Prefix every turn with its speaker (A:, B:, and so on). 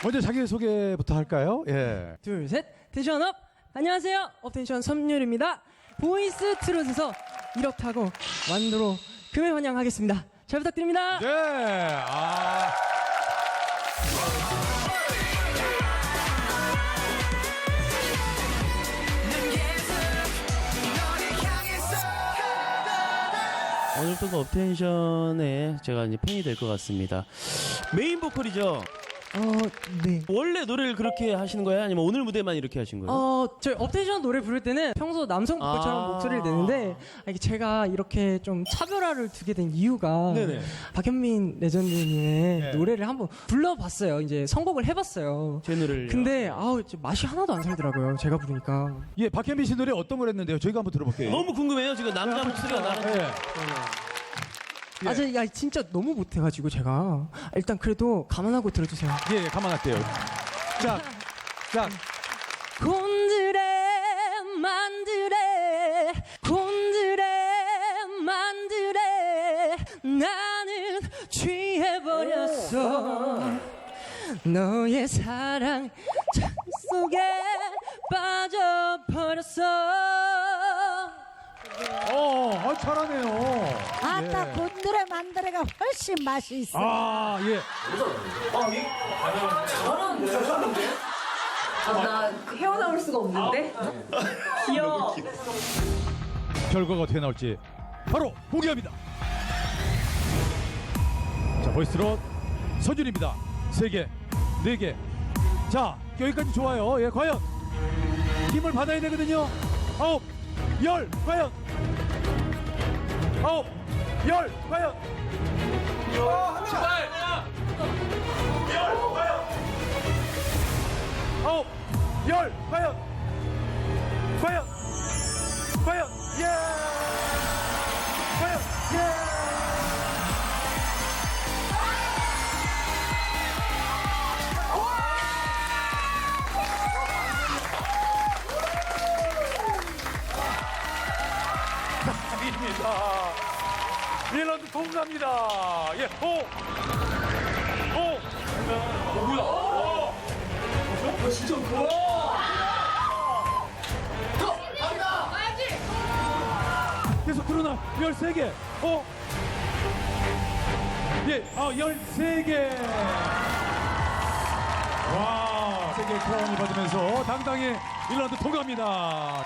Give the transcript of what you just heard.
A: 먼저 자기소개부터 할까요? 예.
B: 둘, 셋, 텐션업! 안녕하세요, 업텐션 섬유입니다. 보이스 트롯에서 1억 타고 완도로 금회 환영하겠습니다. 잘 부탁드립니다.
A: 네.
C: 오늘부터 업텐션에 제가 이제 팬이 될 것 같습니다. 메인 보컬이죠?
B: 네.
C: 원래 노래를 그렇게 하시는 거예요? 아니면 오늘 무대만 이렇게 하신 거예요?
B: 저희 업텐션 노래 부를 때는 평소 남성 보컬처럼 목소리를 내는데 이게 제가 이렇게 좀 차별화를 두게 된 이유가
C: 네네.
B: 박현민 레전드님의
A: 네.
B: 노래를 한번 불러봤어요. 이제 선곡을 해봤어요.
C: 제 노래를.
B: 근데 맛이 하나도 안 살더라고요. 제가 부르니까.
A: 예, 박현빈 씨 노래 어떤 걸 했는데요? 저희가 한번 들어볼게요.
C: 너무 궁금해요. 지금 남자 목소리가 나는.
A: 예.
B: 야, 진짜 너무 못해가지고 제가 일단 그래도 감안하고 들어주세요.
A: 예, 가만할게요. 자.
B: 곤드레 만드레 곤드레 만드레 나는 취해버렸어 너의 사랑 잔 속에 빠져버렸어.
A: 잘하네요.
D: 아따
A: 예.
D: 곤드레 만드레가 훨씬 맛이 있어.
A: 예.
E: 나 헤어나올 수가 없는데? 귀여워.
A: 결과가 어떻게 나올지 바로 공개합니다. 자, 보이스트롯 서준입니다. 3개, 4개. 자, 여기까지 좋아요. 예, 과연 힘을 받아야 되거든요. 9, 10, 과연 9, 10, 과연 제발 10, 과연 9, 10, 과연 예 과연 예 입니다. 1라운드 통과합니다. 예, 뭐야? 진짜 계속 드러나 13개. 예, 13개. 와, 세계 크라운을 받으면서 당당히 1라운드 통과합니다.